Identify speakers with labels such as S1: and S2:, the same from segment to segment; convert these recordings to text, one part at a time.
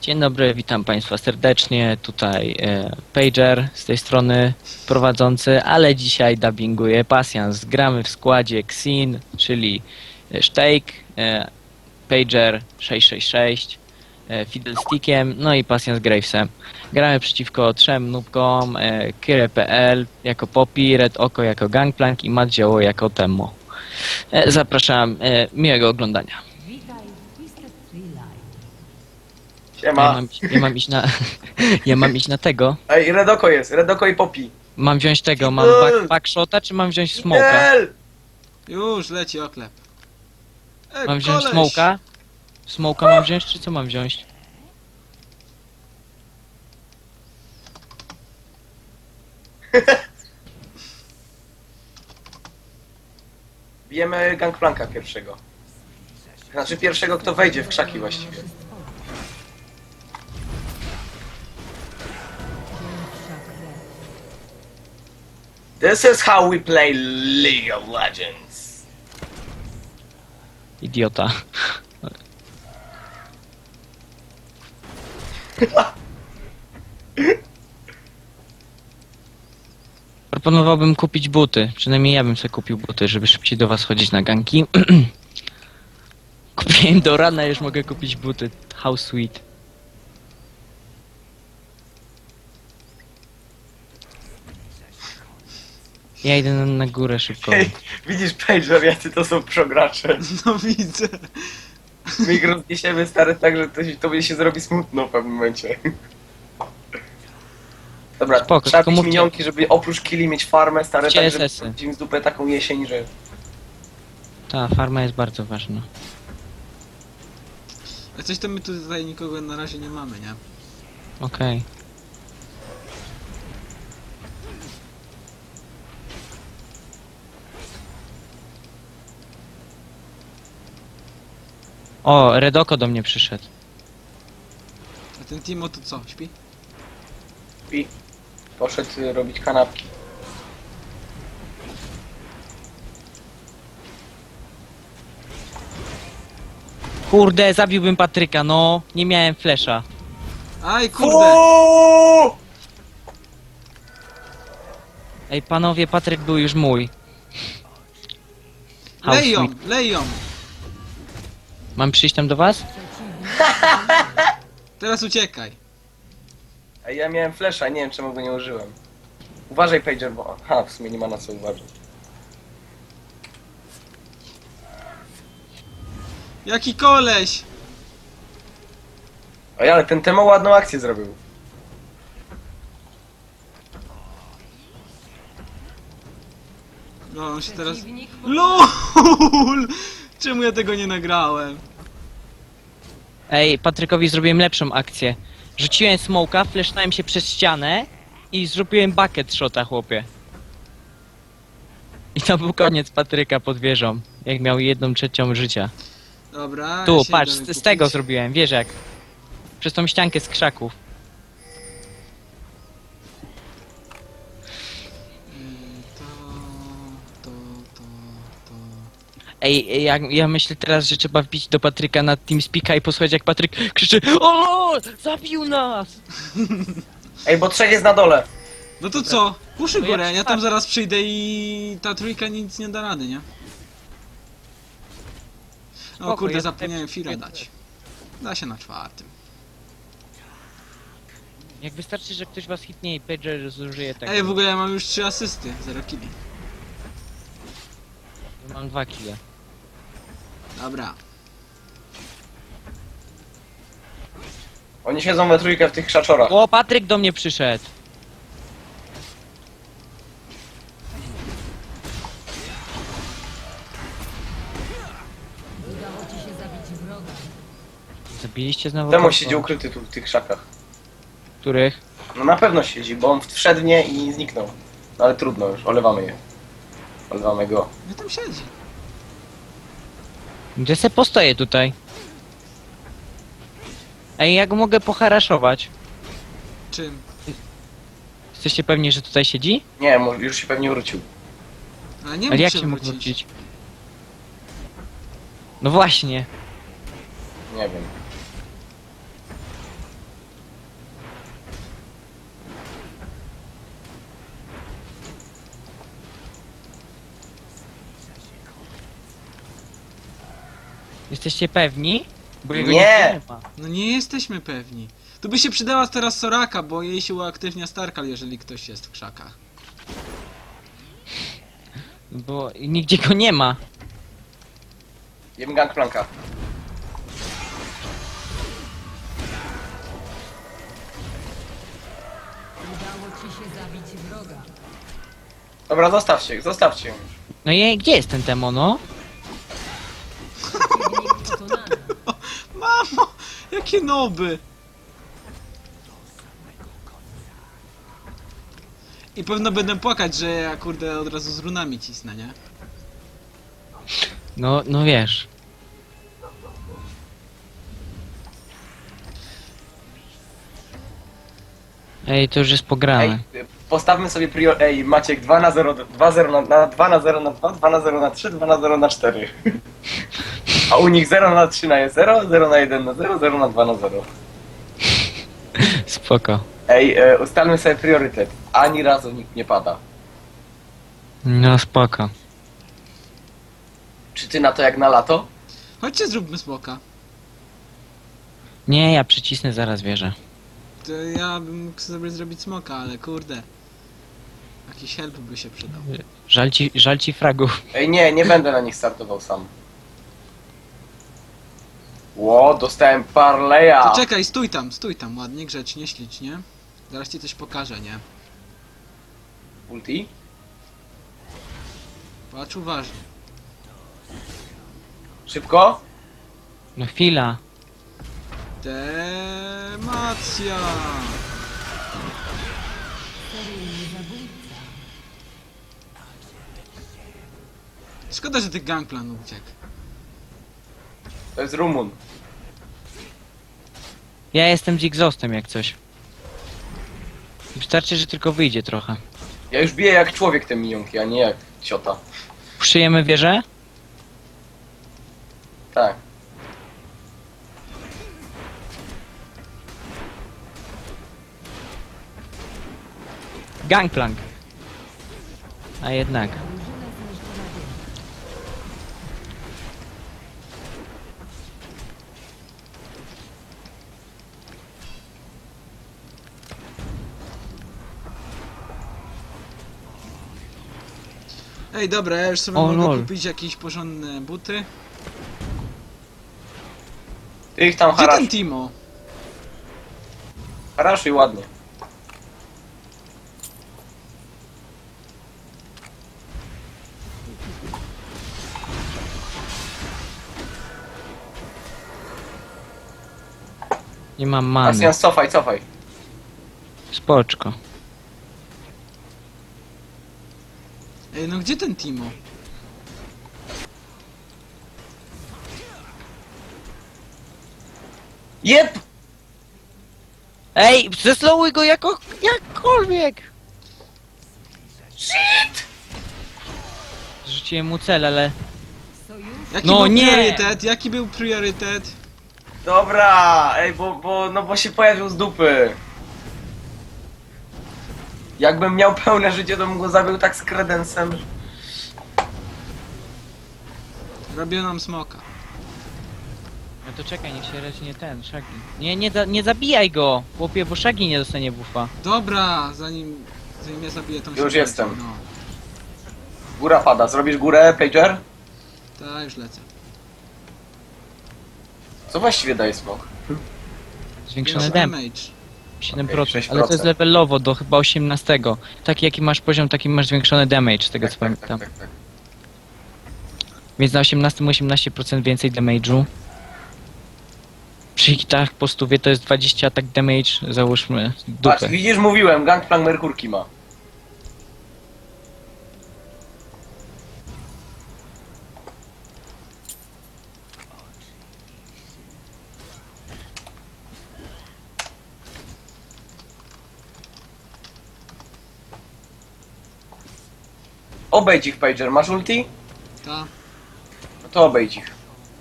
S1: Dzień dobry, witam Państwa serdecznie. Tutaj Pager z tej strony prowadzący, ale dzisiaj dubbinguje Pasjans. Gramy w składzie Xin, czyli Sztejk, Pager 666, Fiddlestickiem, no i Pasjans Gravesem. Gramy przeciwko trzem nubkom, Kyre.pl jako Poppy, Red Oko jako Gangplank i Matt Zioło jako Temmo. Zapraszam, miłego oglądania.
S2: Siema.
S1: Ja mam iść na... Ja mam iść na tego.
S2: Ej, Redoko jest, Redoko i Poppy.
S1: Mam wziąć tego, mam backshota, czy mam wziąć smoka?
S2: Fidel!
S3: Już leci oklep.
S1: Mam wziąć
S3: koleś!
S1: smoka? Smoka mam wziąć, czy co mam wziąć?
S2: Bijemy Gangplanka pierwszego. Znaczy pierwszego, kto wejdzie w krzaki właściwie. This is how we play League of Legends.
S1: Idiota. Proponowałbym kupić buty. Przynajmniej ja bym sobie kupił buty, żeby szybciej do was chodzić na ganki. Kupiłem do rana, już mogę kupić buty. How sweet. Ja idę na górę szybko.
S2: Ej, widzisz, Pager, jacy to są progracze.
S3: No widzę.
S2: My ich rozniesiemy, stary, tak, że to się zrobi smutno w pewnym momencie. Dobra,
S1: Spoko,
S2: trzeba
S1: tylko
S2: mieć
S1: mówcie-
S2: minionki, żeby oprócz killi mieć farmę, stare, tak, żeby
S1: CSS-y.
S2: im z dupę taką jesień, że...
S1: Ta farma jest bardzo ważna.
S3: A coś to my tutaj nikogo na razie nie mamy, nie?
S1: Okej. O, Redoko do mnie przyszedł.
S3: A ten Timo to co, śpi?
S2: I poszedł robić kanapki.
S1: Kurde, zabiłbym Patryka, no. Nie miałem flesza.
S3: Aj kurde!
S2: Uuuu!
S1: Ej, panowie, Patryk był już mój. How
S3: Lej ją,
S1: sweet.
S3: lej ją!
S1: Mam przyjść tam do was?
S3: Teraz uciekaj.
S2: Ej, ja miałem flesza, nie wiem czemu go nie użyłem. Uważaj, Pager, bo... Aha, w sumie nie ma na co uważać.
S3: Jaki koleś!
S2: Ej, ale ten Temo ładną akcję zrobił.
S3: No on się teraz... LOL! Czemu ja tego nie nagrałem?
S1: Ej, Patrykowi zrobiłem lepszą akcję. Rzuciłem smoka, flesznąłem się przez ścianę i zrobiłem bucket shota, chłopie. I to był koniec Patryka pod wieżą, jak miał 1/3 życia.
S3: Dobra,
S1: Tu,
S3: ja się
S1: patrz,
S3: idę
S1: z
S3: wykupić.
S1: tego zrobiłem, wiesz jak. Przez tą ściankę z krzaków.
S3: To... To...
S1: Ej, ja myślę teraz, że trzeba wbić do Patryka na TeamSpeaka i posłuchać jak Patryk krzyczy: o, zabił nas!
S2: Ej, bo trzech jest na dole.
S3: No to co? Puszy
S1: No ja
S3: górę, ja tam
S1: przepadam.
S3: zaraz przyjdę i ta trójka nic nie da rady, nie? O
S1: Spoko,
S3: kurde,
S1: ja
S3: zapomniałem
S1: tutaj-
S3: chwilę dać. Da się na czwartym.
S1: Jak wystarczy, że ktoś was hitnie i Pager zużyje tego.
S3: Ej, w ogóle ja mam już 3 asysty, 0 killi.
S1: Mam 2 kile.
S3: Dobra.
S2: Oni siedzą we trójkę w tych krzaczorach.
S1: O, Patryk do mnie przyszedł. Zabiliście znowu
S2: Temo
S1: kogo?
S2: siedzi ukryty tu w tych krzakach.
S1: Których?
S2: No na pewno siedzi, bo on wszedł w nie i zniknął. No ale trudno już, olewamy je. Olewamy go.
S3: No tam siedzi.
S1: Gdzie se postoję tutaj? Ej, ja go mogę poharaszować.
S3: Czym?
S1: Jesteście pewni, że tutaj siedzi?
S2: Nie, już się pewnie wrócił.
S3: Ale nie
S1: Ale
S3: mógł
S1: jak
S3: się
S1: się mógł
S3: wrócić.
S1: wrócić? No właśnie.
S2: Nie wiem.
S1: Jesteście pewni? Bo jego
S2: Nie!
S1: nigdzie nie ma.
S3: No nie jesteśmy pewni. Tu by się przydała teraz Soraka, bo jej się uaktywnia Starkal, jeżeli ktoś jest w krzakach.
S1: Bo nigdzie go nie ma.
S2: Jem Gangplanka.
S4: Udało ci się zabić wroga.
S2: Dobra, zostawcie ją.
S1: No i gdzie jest ten demono?
S4: Przeciwnik pokonany.
S3: Mamo! Jakie noby! I pewno będę płakać, że ja kurde od razu z runami cisnę, nie?
S1: No wiesz. Ej, to już jest pograne.
S2: Ej, postawmy sobie Ej, Maciek, 2 na 0, 2-0 na 2 na 0 na 2, 2 na 0 na 3, 2 na 0 na 4. A u nich 0 na 3 na 0, 0 na 1 na 0, 0 na 2 na 0.
S1: Spoko.
S2: Ej, ustalmy sobie priorytet. Ani razu nikt nie pada.
S1: No spoko.
S2: Czy ty na to jak na lato?
S3: Chodźcie zróbmy smoka.
S1: Nie, ja przycisnę zaraz wieżę.
S3: To ja bym mógł sobie zrobić smoka, ale kurde. Jakiś help by się przydał.
S1: Żal ci fragów.
S2: Ej, nie będę na nich startował sam. Ło, dostałem parleja.
S3: To czekaj, stój tam, ładnie, grzecznie, ślicznie. Zaraz ci coś pokażę, nie?
S2: Ulti?
S3: Patrz uważnie.
S2: Szybko?
S1: No chwila.
S3: Demacja!
S4: Seryjny zabójca.
S3: Szkoda, że tych gangplan uciekł.
S2: To jest Rumun.
S1: Ja jestem z Exhaustem jak coś. Wystarczy, że tylko wyjdzie trochę.
S2: Ja już biję jak człowiek te minionki, a nie jak ciota.
S1: Przyjemy wieżę?
S2: Tak.
S1: Gangplank. A jednak.
S4: Drużyna zniszczona wieża.
S3: Ej, dobra, ja już sobie
S1: O,
S3: mogę
S1: lol.
S3: kupić jakieś porządne buty.
S2: Ty ich tam
S3: Gdzie ten
S2: haraszuj.
S3: Timo?
S2: Haraszuj ładnie.
S1: Nie mam many.
S2: Asjan, cofaj.
S1: Spoczko.
S3: Ej, no gdzie ten Timo?
S2: Jep!
S1: Ej, zeslowuj go jakkolwiek!
S2: Shit!
S1: Rzuciłem mu cel, ale...
S4: Sojusz
S3: Jaki
S1: No
S3: był
S1: nie!
S3: priorytet? Jaki był priorytet?
S2: Dobra, ej, bo się pojawił z dupy. Jakbym miał pełne życie, to bym go zabił tak z kredensem.
S3: Robią nam smoka.
S1: No to czekaj, niech się raczej nie ten, Shaggy. Nie zabijaj go, chłopie, bo Shaggy nie dostanie buffa.
S3: Dobra, zanim ja zabiję tą
S2: Już
S3: siekierę,
S2: jestem.
S3: No,
S2: Góra pada, zrobisz górę, Pager?
S3: ta już lecę.
S2: Co właściwie daje smok?
S1: Zwiększony
S3: Większy
S1: damage,
S3: damage.
S1: 7%,
S2: Okej,
S1: ale to jest
S2: 6%.
S1: levelowo do chyba 18. Taki jaki masz poziom, taki masz zwiększony damage, z tego co pamiętam.
S2: tak.
S1: Więc na 18 18% więcej damage'u. Przy hitach po stówie to jest 20 atak damage, załóżmy
S2: Patrz,
S1: dupę.
S2: widzisz, mówiłem, Gangplank Merkurki ma. Obejdź ich, Pager. Masz ulti?
S3: Ta.
S2: No to obejdź ich.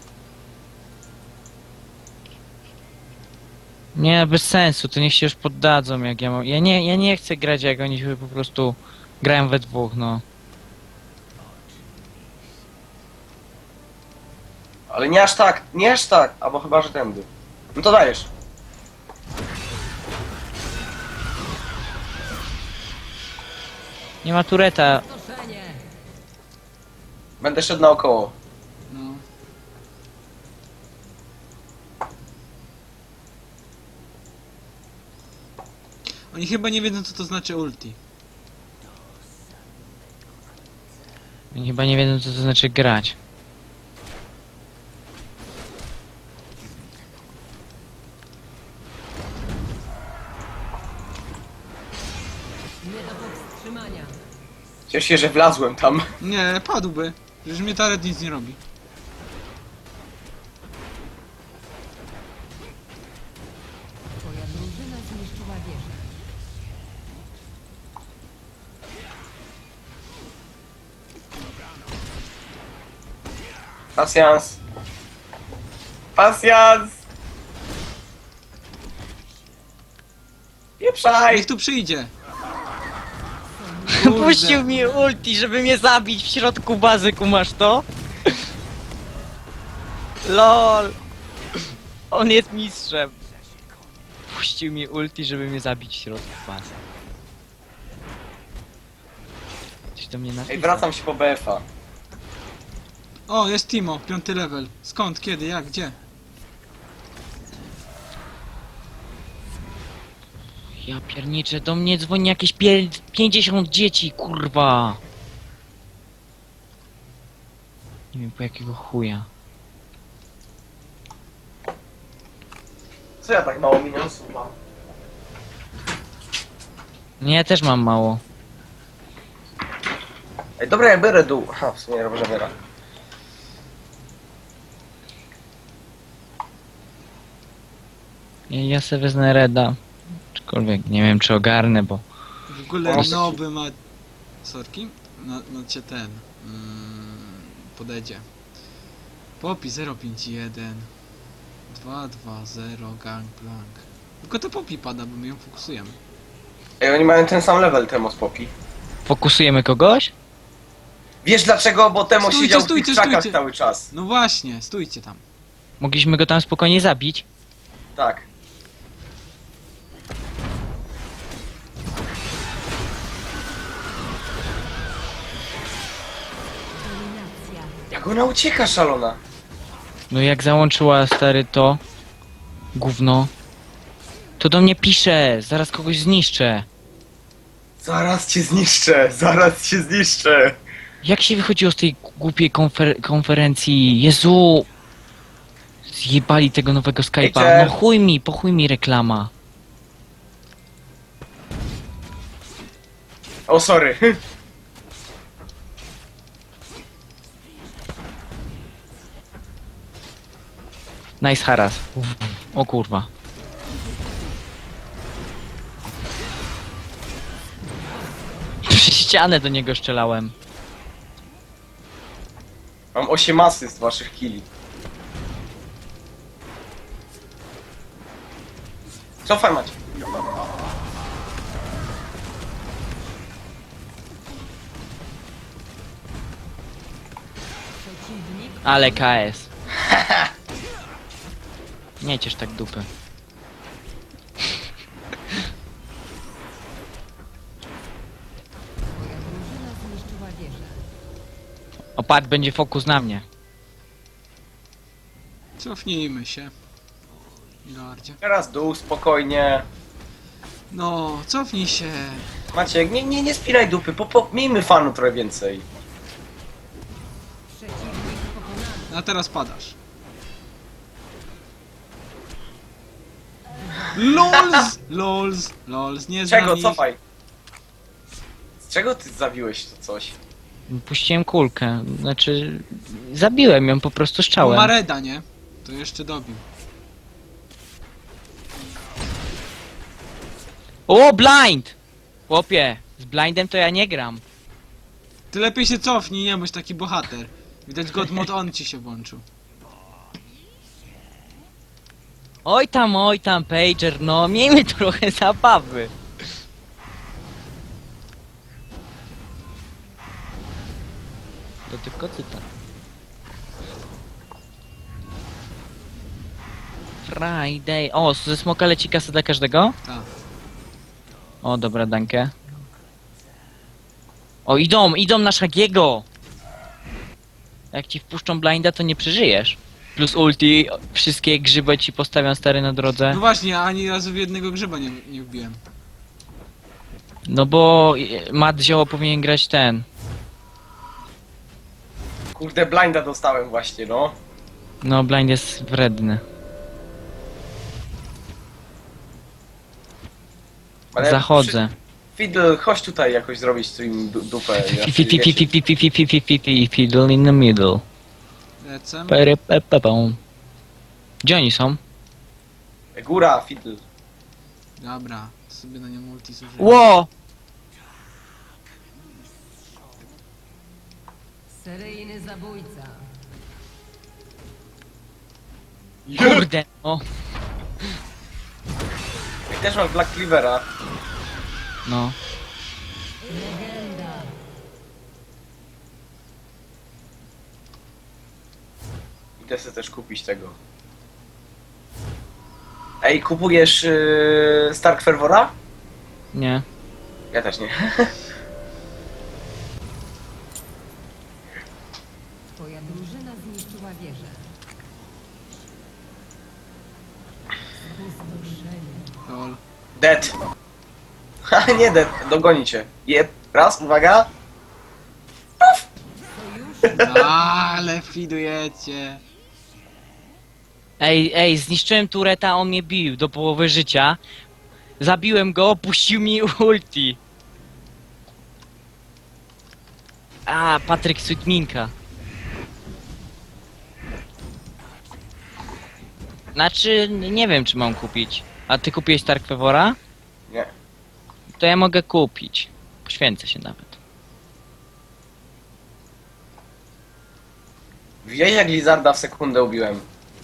S1: Nie, bez sensu, to niech się już poddadzą jak ja mam. Ja nie chcę grać jak oni się po prostu grają we dwóch, no.
S2: Ale nie aż tak, nie aż tak. Albo chyba, że tędy. No to dajesz.
S1: Nie ma tureta.
S4: Stoszenie.
S2: Będę szedł naokoło.
S3: No. Oni chyba nie wiedzą, co to znaczy ulti.
S1: Oni chyba nie wiedzą, co to znaczy grać.
S4: Nie do powstrzymania.
S2: Cieszę się, że wlazłem tam.
S3: Nie, padłby. Przecież mnie Taret nic nie robi.
S4: Twoja drużyna zniszczyła wieżę.
S2: Pasjans. Pasjans! Pieprzaj!
S3: Niech tu przyjdzie. Kurde.
S1: Puścił mi ulti, żeby mnie zabić w środku bazy, kumasz to? LOL! On jest mistrzem. Puścił mi ulti, żeby mnie zabić w środku bazy. Coś do mnie napisał.
S2: Ej, wracam się po BF-a.
S3: O, jest Timo, 5 level. Skąd, kiedy, jak, gdzie?
S1: Ja pierniczę, do mnie dzwoni jakieś 50 dzieci, kurwa! Nie wiem po jakiego chuja.
S2: Co ja tak mało minusów mam?
S1: Nie, ja też mam mało.
S2: Ej, dobra, ja biorę dół. Aha, w sumie robię zabiera.
S1: Ja sobie wezmę Reda. Aczkolwiek nie wiem czy ogarnę, bo...
S3: W ogóle
S2: Proszę.
S3: noby ma... Sorki? Macie ten... podejdzie. Popi 051 220 Gangplank. Tylko to Popi pada, bo my ją fokusujemy.
S2: Ej, oni mają ten sam level, Temo z Poppy.
S1: Fokusujemy kogoś?
S2: Wiesz dlaczego? Bo Temo
S3: Stójcie,
S2: siedział w
S3: stójcie,
S2: tych krzakach
S3: stójcie.
S2: cały czas.
S3: No właśnie, stójcie tam.
S1: Mogliśmy go tam spokojnie zabić.
S2: Tak.
S4: Dominacja.
S2: Jak ona ucieka, szalona.
S1: No jak załączyła stary to... Gówno. To do mnie pisze, zaraz kogoś zniszczę.
S2: Zaraz cię zniszczę, zaraz cię zniszczę.
S1: Jak się wychodziło z tej głupiej konferencji? Jezu! Zjebali tego nowego Skype'a.
S2: Hejter.
S1: No po chuj mi reklama.
S2: O, sorry.
S1: Nice haras. O kurwa. Przez ścianę do niego strzelałem.
S2: Mam 8 asyst waszych killi. Cofaj, Macie.
S4: Przeciwnik
S1: Ale KS. Nie ciesz tak dupy.
S4: Twoja drużyna zniszczyła wieżę.
S1: Opat będzie fokus na mnie.
S3: Cofnijmy się. Gardzie.
S2: Teraz dół, spokojnie.
S3: No, cofnij się.
S2: Maciek, nie spinaj dupy, miejmy fanu trochę więcej.
S4: Przeciwnik pokonany.
S3: A teraz padasz. LOLS! LOLS! LOLS, nie znam
S2: Czego,
S3: ich.
S2: cofaj? Z czego ty zabiłeś to coś?
S1: Puściłem kulkę. Znaczy... Zabiłem ją po prostu strzałem.
S3: Mareda, nie? To jeszcze dobił.
S1: O, blind! Chłopie, z blindem to ja nie gram.
S3: Ty lepiej się cofnij, nie bądź taki bohater. Widać God Mod on ci się włączył.
S1: Oj tam, pager, no miejmy trochę zabawy. To tylko cytat. Friday. O, ze smoka leci kasa dla każdego?
S3: Tak.
S1: O, dobra, dankę. O, idą na Shagiego! Jak ci wpuszczą blinda, to nie przeżyjesz. Plus ulti, wszystkie grzyby ci postawiam stary na drodze.
S3: No właśnie, ani razu w jednego grzyba nie wbiłem.
S1: No bo Matt Zioło powinien grać ten.
S2: Kurde, blinda dostałem właśnie, no.
S1: No, blind jest wredny.
S2: Ale
S1: Zachodzę.
S2: Fiddle, chodź tutaj jakoś zrobić tu im dupę.
S1: Fiddle in the middle.
S3: Lecę.
S1: Perepepepą. Gdzie oni są?
S2: Góra, Fiddle.
S3: Dobra, sobie na nią multi zużyję.
S1: Ło!
S4: Seryjny zabójca.
S1: Kurde, no.
S2: I też masz Black Cleavera.
S1: No.
S4: Legenda.
S2: Idę sobie też kupić tego. Ej, kupujesz Stark Fervora?
S1: Nie.
S2: Ja też nie.
S4: Twoja drużyna zniszczyła wieżę. Spustoszenie.
S3: Lol.
S2: Dead. Ha, nie dead, dogoni cię. Raz, uwaga.
S4: Sojusz
S3: Ale fidujecie.
S1: Ej, zniszczyłem tureta, on mnie bił do połowy życia. Zabiłem go, puścił mi ulti. A, Patryk Sweetminka. Znaczy, nie wiem czy mam kupić. A ty kupiłeś Stark Fevora?
S2: Nie.
S1: To ja mogę kupić. Poświęcę się nawet.
S2: Widziałeś jak Lizarda w sekundę ubiłem.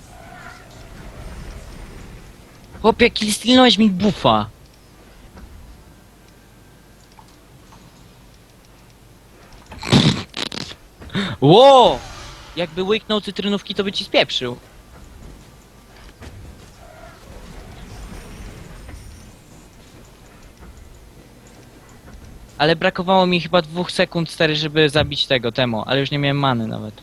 S1: Chłopie, stilnąłeś mi buffa. Ło! Jakby łyknął cytrynówki, to by ci spieprzył. Ale brakowało mi chyba 2 sekund, stary, żeby zabić tego, Temo, ale już nie miałem many nawet.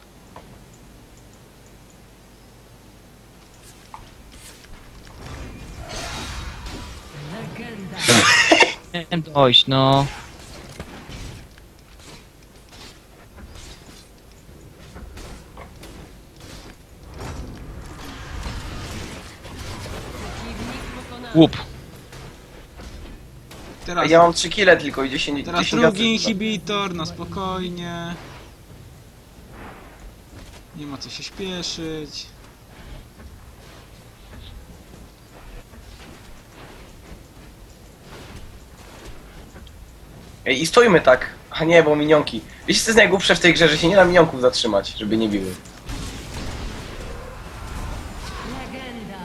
S4: legenda.
S1: Nie wiem dojść, no.
S4: Przeciwnik pokonany.
S1: Łup.
S3: Teraz,
S2: Ja mam 3 kile tylko i 10
S3: teraz
S2: 10
S3: drugi
S2: asyst.
S3: inhibitor, na spokojnie. Nie ma co się śpieszyć.
S2: Ej, i stoimy tak. A nie, bo minionki. Wiecie co jest najgłupsze w tej grze, że się nie da minionków zatrzymać, żeby nie biły.
S4: Legenda.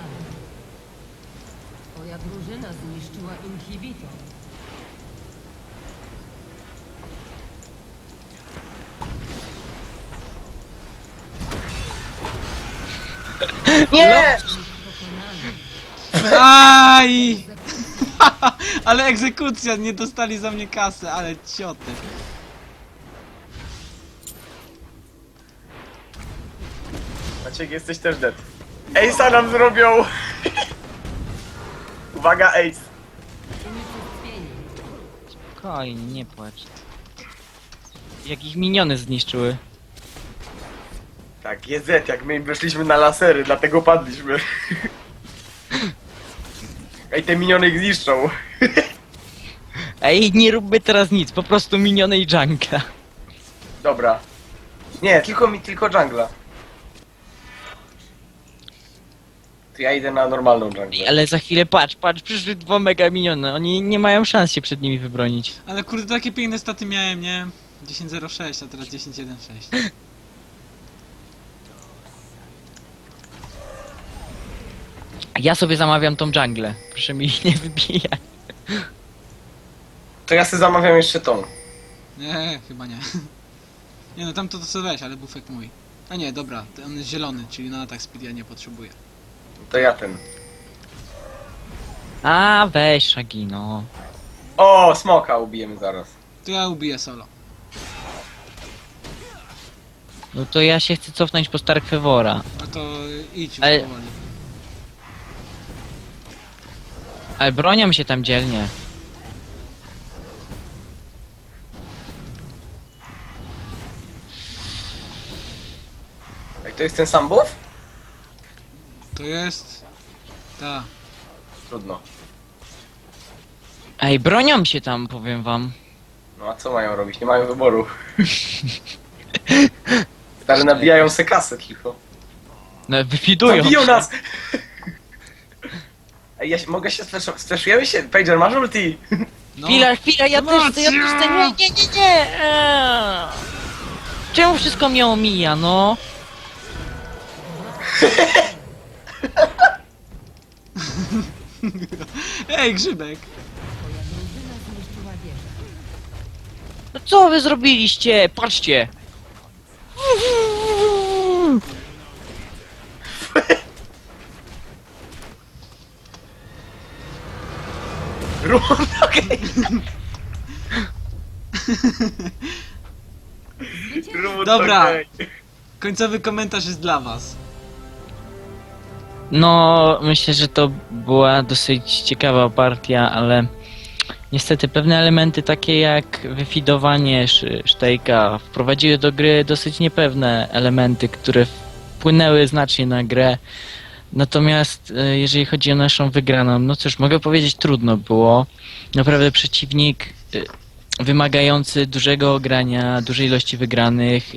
S4: Twoja drużyna zniszczyła inhibitor.
S2: Nie!
S4: Pokonany.
S3: Aj! Ale egzekucja, nie dostali za mnie kasy, ale cioty.
S2: Maciek, jesteś też dead. Ace'a nam zrobią! Uwaga, Ace.
S4: Unicestwienie.
S1: Spokojnie, nie płacz. Jak ich miniony zniszczyły.
S2: Tak, jest Z, jak my weszliśmy na lasery, dlatego padliśmy. Ej, te miniony ich zniszczą.
S1: Ej, nie róbmy teraz nic, po prostu miniony i jungla.
S2: Dobra. Nie, tylko jungla. To ja idę na normalną
S1: Ej,
S2: junglę.
S1: ale za chwilę patrz, przyszły 2 mega miniony, oni nie mają szans się przed nimi wybronić.
S3: Ale kurde, takie piękne staty miałem, nie? 10.06, a teraz 10.1.6.
S1: Ja sobie zamawiam tą dżunglę, proszę mi nie wybijać.
S2: To ja sobie zamawiam jeszcze tą.
S3: Nie, chyba nie. Nie no, tamto to co weź, ale bufek mój. A nie, dobra, on jest zielony, czyli na atak speed ja nie potrzebuję.
S2: To ja ten.
S1: A, weź Shaggy, no.
S2: O, smoka ubijemy zaraz.
S3: To ja ubiję solo.
S1: No to ja się chcę cofnąć po Stark Fevora.
S3: No to idź już
S1: Ale-
S3: powoli.
S1: Ale bronią się tam dzielnie.
S2: Ej, to jest ten sam buff?
S3: To jest... Ta.
S2: Trudno.
S1: Ej, bronią się tam, powiem wam.
S2: No a co mają robić? Nie mają wyboru. Ale nabijają se kasę tylko.
S1: No, wyfidują
S2: Zabiją
S1: się.
S2: nas! Ej, mogę się sfleszujemy się? Pager, masz ulti?
S3: No.
S1: Chwila, ja też chcę, nie. Czemu wszystko mnie omija, no?
S3: Ej, Grzybek!
S4: Drużyna zniszczyła wieżę.
S1: No co wy zrobiliście? Patrzcie!
S2: Okej.
S3: Dobra. Końcowy komentarz jest dla was.
S1: No, myślę, że to była dosyć ciekawa partia, ale niestety pewne elementy takie jak wyfidowanie Sztejka wprowadziły do gry dosyć niepewne elementy, które wpłynęły znacznie na grę. Natomiast jeżeli chodzi o naszą wygraną, no cóż, mogę powiedzieć, trudno było. Naprawdę przeciwnik wymagający dużego grania, dużej ilości wygranych.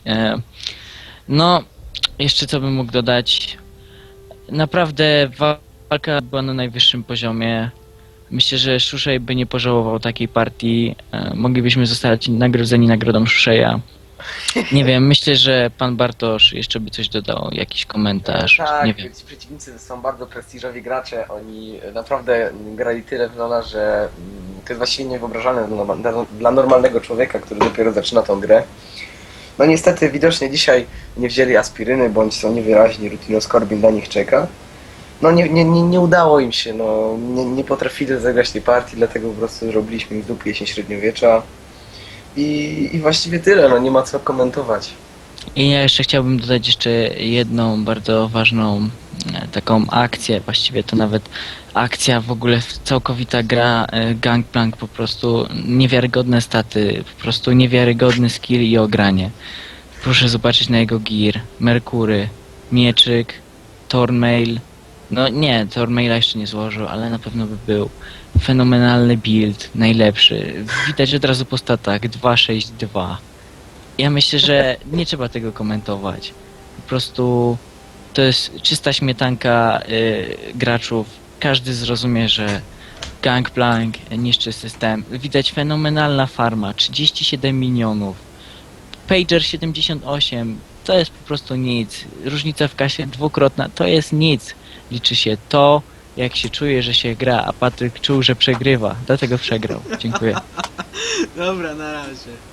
S1: No, jeszcze co bym mógł dodać? Naprawdę walka była na najwyższym poziomie. Myślę, że Shushei by nie pożałował takiej partii. Moglibyśmy zostać nagrodzeni nagrodą Shusheia. Nie wiem, myślę, że pan Bartosz jeszcze by coś dodał, jakiś komentarz,
S2: Tak,
S1: nie wiem.
S2: ci przeciwnicy są bardzo prestiżowi gracze, oni naprawdę grali tyle w Lola, że to jest właściwie niewyobrażalne dla normalnego człowieka, który dopiero zaczyna tą grę. No niestety widocznie dzisiaj nie wzięli aspiryny, bądź są niewyraźni, Rutinoskorbin na nich czeka. No nie udało im się, no nie potrafili zagrać tej partii, dlatego po prostu zrobiliśmy im w dupie jesień średniowiecza. I właściwie tyle, no nie ma co komentować.
S1: I ja jeszcze chciałbym dodać jeszcze jedną bardzo ważną taką akcję, właściwie to nawet akcja, w ogóle całkowita gra, Gangplank, po prostu niewiarygodne staty, po prostu niewiarygodny skill i ogranie. Proszę zobaczyć na jego gear, Merkury, Mieczyk, Thornmail, no nie, Thornmaila jeszcze nie złożył, ale na pewno by był. Fenomenalny build, najlepszy. Widać od razu po statach 2-6-2. Ja myślę, że nie trzeba tego komentować. Po prostu to jest czysta śmietanka graczów. Każdy zrozumie, że Gangplank niszczy system. Widać fenomenalna farma, 37 minionów. Pager 78, to jest po prostu nic. Różnica w kasie dwukrotna, to jest nic. Liczy się to, jak się czuje, że się gra, a Patryk czuł, że przegrywa. Dlatego przegrał. Dziękuję.
S3: Dobra, na razie.